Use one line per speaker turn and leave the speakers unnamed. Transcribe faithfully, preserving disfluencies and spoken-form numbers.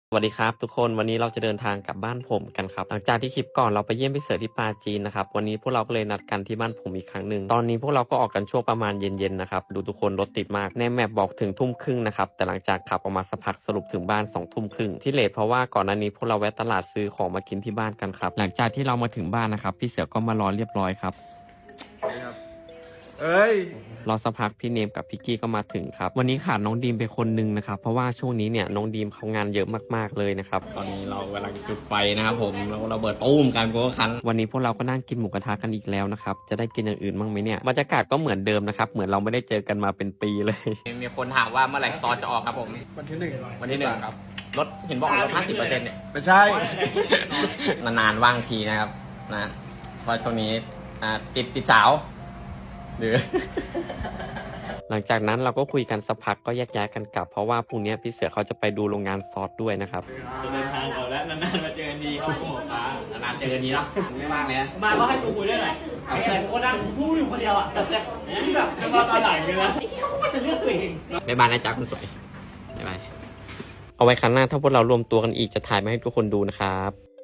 สวัสดีครับทุกคนวันนี้เราจะเดินทางกลับบ้านผมกันครับหลังจากที่คลิปก่อนเราไปเยี่ยมพี่เสือที่ปาจีนนะครับวันนี้พวกเราก็เลยนัดกันที่บ้านผมอีกครั้งหนึ่งตอนนี้พวกเราก็ออกกันช่วงประมาณเย็นๆนะครับดูทุกคนรถติดมากในแมปบอกถึงทุ่มครึ่งนะครับแต่หลังจากขับออกมาสักพักสรุปถึงบ้านสองทุ่มครึ่งที่เลทเพราะว่าก่อนหน้านี้พวกเราแวะตลาดซื้อของมากินที่บ้านกันครับหลังจากที่เรามาถึงบ้านนะครับพี่เสือก็มารอเรียบร้อยครับ
เอ้ย
รอสักพักพี่เนมกับพี่กี้ก็มาถึงครับวันนี้ขาดน้องดีมไปคนนึงนะครับเพราะว่าช่วงนี้เนี่ยน้องดีมเขางานเยอะมากๆเลยนะครับตอนนี้เรากำลังจุดไฟนะครับผมเราเราเบิดตุ้มกันโก้คันวันนี้พวกเราก็นั่งกินหมูกระทะกันอีกแล้วนะครับจะได้กินอย่างอื่นบ้างไหมเนี่ยบรรยากาศก็เหมือนเดิมนะครับเหมือนเราไม่ได้เจอกันมาเป็นปีเลยมีคนถามว่าเมื่อไหร่ซอสจะออกครับผม
วันที่หนึ่ง
วันที่หนึ่งครับลดเห็นบอกลดห้าสิบเปอร์เซ็นต์เนี่ย
ไม่ใช่
นานๆว่างทีนะครับนะเพราะช่วงนี้ติดติดสาวหรือ หลังจากนั้นเราก็คุยกันสักพักก็แยกย้ายกันกลับเพราะว่าพรุ่งนี้พี่เสือเขาจะไปดูโรงงานซอสด้วยนะครับ
จะเดินทางก่อนแล้วนานๆมาเจอกันดีครับผมฟ้านานๆเจอกันดีเนาะ
ไม่ว่างเลยนะ
มาก็ให้กูคุยด้วยหน่อยไอ้อะไรกูก็นั่งพูดอยู่คนเดียวอ่ะแต่แต่แบบจะมาตอนไหนกันนะไอ้ที่เขาพูดแต่เรื่องตัวเอง
บ๊ายบายนะจ๊ะคุณสวยบ๊ายบายเอาไว้ครั้งหน้าถ้าพวกเรารวมตัวกันอีกจะถ่ายมาให้ทุกคนดูนะครับ